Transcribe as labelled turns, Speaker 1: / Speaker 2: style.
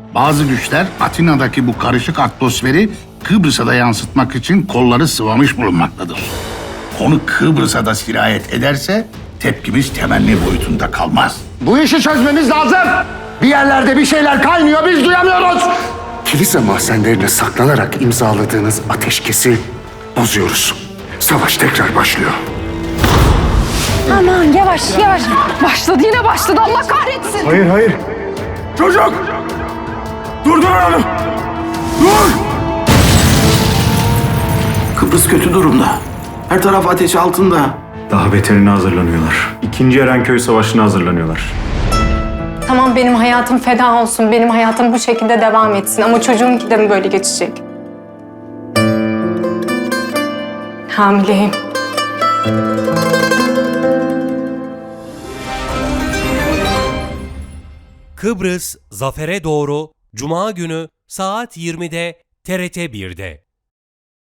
Speaker 1: Bazı güçler Atina'daki bu karışık atmosferi Kıbrıs'a da yansıtmak için kolları sıvamış bulunmaktadır. Konu Kıbrıs'a da sirayet ederse tepkimiz temenni boyutunda kalmaz.
Speaker 2: Bu işi çözmemiz lazım. Bir yerlerde bir şeyler kaynıyor, biz duyamıyoruz. Kilise mahzenlerine saklanarak imzaladığınız ateşkesi bozuyoruz. Savaş tekrar başlıyor.
Speaker 3: Aman yavaş yavaş. Başladı yine başladı, Allah kahretsin.
Speaker 2: Hayır.
Speaker 4: Çocuk! Durdur onu! Dur! Kıbrıs kötü durumda. Her taraf ateş altında.
Speaker 5: Daha beterine hazırlanıyorlar. İkinci Erenköy Savaşı'na hazırlanıyorlar.
Speaker 3: Tamam, benim hayatım feda olsun. Benim hayatım bu şekilde devam etsin. Ama çocuğumki de mi böyle geçecek? Hamileyim.
Speaker 6: Kıbrıs Zafer'e doğru Cuma günü saat 20'de TRT 1'de.